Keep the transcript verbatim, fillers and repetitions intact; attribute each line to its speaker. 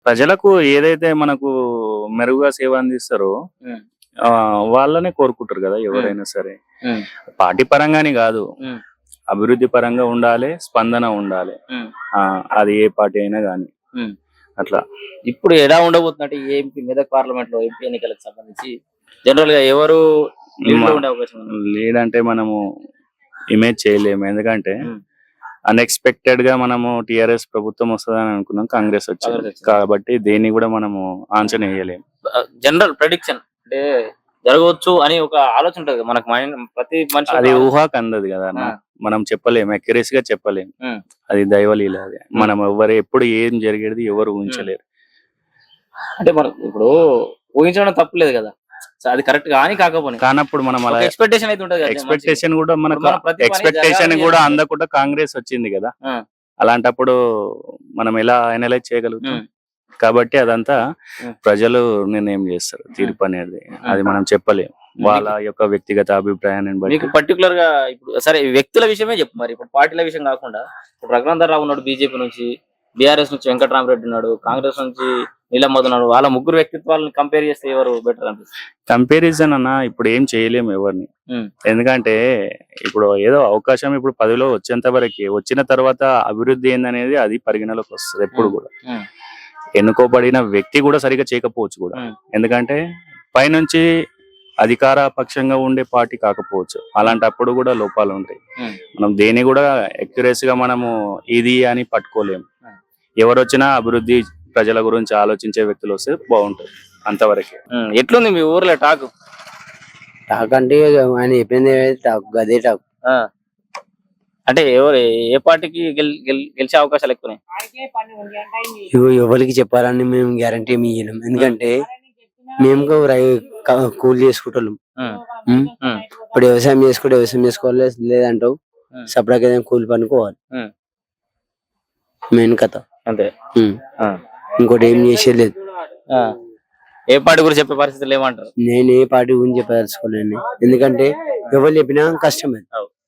Speaker 1: ప్రజలకు ఏదైతే మనకు మెరుగుగా సేవ అందిస్తారో
Speaker 2: ఉమ్,
Speaker 1: ఆ, వాళ్ళనే కోరుకుంటారు కదా
Speaker 2: ఉమ్,
Speaker 1: ఎవరైనా సరే.
Speaker 2: ఉమ్,
Speaker 1: పార్టీ పరంగానే కాదు,
Speaker 2: ఉమ్,
Speaker 1: అభివృద్ధి పరంగా ఉండాలి, స్పందన ఉండాలి.
Speaker 2: ఉమ్,
Speaker 1: ఆ, అది ఏ పార్టీ అయినా కానీ
Speaker 2: ఉమ్.
Speaker 1: అట్లా.
Speaker 2: ఇప్పుడు ఎలా ఉండబోతున్నట్టు ఈ ఎంపీ మెదక్ పార్లమెంట్ లో ఎంపీ ఎన్నికలకు సంబంధించి జనరల్ గా ఎవరు లీడ్ లో ఉండే అవకాశం ఉంది?
Speaker 1: లీడ్ అంటే మనము ఇమేజ్ చేయలేము, ఎందుకంటే
Speaker 2: ఉమ్,
Speaker 1: అన్ఎక్స్పెక్టెడ్ గా మనము టిఆర్ఎస్ ప్రభుత్వం వస్తుందని అనుకున్నాం, కాంగ్రెస్ వచ్చింది
Speaker 2: కాంగ్రెస్ వచ్చింది.
Speaker 1: కాబట్టి దేన్ని కూడా మనము ఆన్సర్ వేయలేము.
Speaker 2: జనరల్ ప్రెడిక్షన్ అంటే జరగవచ్చు అని ఒక ఆలోచన ఉంటది కదా మనకు మైండ్, ప్రతి మనిషి
Speaker 1: అది ఊహాకు అందదు కదా అన్న. మనం చెప్పలేము, అక్యురసీ గా చెప్పలేము. అది దైవలీల. అది మనం ఎవరు ఎప్పుడు ఏం జరిగేది ఎవరు ఊహించలేరు.
Speaker 2: అంటే మనం ఇప్పుడు ఊహించడం తప్పులేదు కదా, సో అది కరెక్ట్ కానీ కాకపోతే
Speaker 1: కానప్పుడు మనం అలా
Speaker 2: ఎక్స్పెక్టేషన్ అయితే ఉంటది కదా.
Speaker 1: ఎక్స్పెక్టేషన్ కూడా మనకు
Speaker 2: మన ప్రతి పని
Speaker 1: ఎక్స్పెక్టేషన్
Speaker 2: జరగాలని
Speaker 1: కూడా
Speaker 2: అనుకుంటాం.
Speaker 1: అందకుండా కాంగ్రెస్ వచ్చింది కదా.
Speaker 2: ఆ,
Speaker 1: అలాంటప్పుడు మనం ఎలా అనలైజ్ చేయగలుగుతాం?
Speaker 2: ఉమ్,
Speaker 1: కాబట్టి అదంతా
Speaker 2: ఉమ్,
Speaker 1: ప్రజలు నిర్ణయం చేస్తారు, తీర్పు అనేది. అది మనం చెప్పలేము, వాళ్ళ యొక్క వ్యక్తిగత అభిప్రాయాన్ని
Speaker 2: మీకు
Speaker 1: బట్టి.
Speaker 2: పర్టికులర్ గా ఇప్పుడు సరే వ్యక్తుల విషయమే చెప్పు మరి, ఇప్పుడు పార్టీల విషయం కాకుండా ఇప్పుడు రఘునందర్ రావు ఉన్నాడు బీజేపీ నుంచి, బీఆర్ఎస్ నుంచి వెంకటరామరెడ్డి ఉన్నాడు, కాంగ్రెస్ నుంచి నీలమ్మద్ ఉన్నాడు. వాళ్ళ ముగ్గురు వ్యక్తిత్వాలను కంపేర్ చేస్తే ఎవరు బెటర్ అనిపిస్తుంది?
Speaker 1: కంపారిజన్ అన్న ఇప్పుడు ఏం చేయలేము ఎవరిని,
Speaker 2: ఉమ్,
Speaker 1: ఎందుకంటే ఇప్పుడు ఏదో అవకాశం ఇప్పుడు పదవిలో వచ్చేంత వరకే, వచ్చిన తర్వాత అభివృద్ధి ఏందనేది అది పరిగణలోకి వస్తుంది ఎప్పుడు కూడా.
Speaker 2: ఉమ్,
Speaker 1: ఎన్నుకోబడిన వ్యక్తి కూడా సరిగా చేయకపోవచ్చు కూడా,
Speaker 2: ఉమ్,
Speaker 1: ఎందుకంటే పైనుంచి అధికార పక్షంగా ఉండే పార్టీ కాకపోవచ్చు. అలాంటప్పుడు కూడా లోపాలు ఉంటాయి.
Speaker 2: ఉమ్,
Speaker 1: మనం దేని కూడా accuracy గా మనము ఇది అని పట్టుకోలేము.
Speaker 2: ఉమ్.
Speaker 1: ఎవరు వచ్చినా అభివృద్ధి ప్రజల గురించి ఆలోచించే వ్యక్తులు వస్తే బాగుంటుంది, అంతవరకే.
Speaker 2: ఉమ్. ఎట్లుంది మీ ఊర్లో టాక్?
Speaker 3: టాక్ అంటే ఆయన చెప్పింది టాక్, గదే టాక్.
Speaker 2: ఆ, అంటే ఎవరు ఏ పార్టీకి గెల్- గెల్- గెలిచే అవకాశాలు ఎక్కువ?
Speaker 3: ఇవి ఎవరికి చెప్పాలని మేము గ్యారంటీ ఏమి ఇయ్యలేం, ఎందుకంటే మేము కూడా రై- క- కూలి చేసుకుంటాం. ఉమ్. ఇప్పుడు వ్యవసాయం చేసుకుంటే వ్యవసాయం చేసుకోవాలి, లేదంటావు
Speaker 2: ఉమ్.
Speaker 3: సపరేట్ ఏదైనా కూలి పనుకోవాలి.
Speaker 2: ఉమ్.
Speaker 3: మెయిన్ కథ.
Speaker 2: అంతే.
Speaker 3: ఉమ్.
Speaker 2: ఆ.
Speaker 3: ఇంకోటి ఏం చేసేది లేదు.
Speaker 2: ఆ. ఏ పార్టీ గురించి చెప్పే పరిస్థితులు ఏమంటారు?
Speaker 3: నేను ఏ పార్టీ గురించి చెప్పదలుచుకోలేను, ఎందుకంటే ఎవరు చెప్పినా కష్టమే.
Speaker 2: అవు.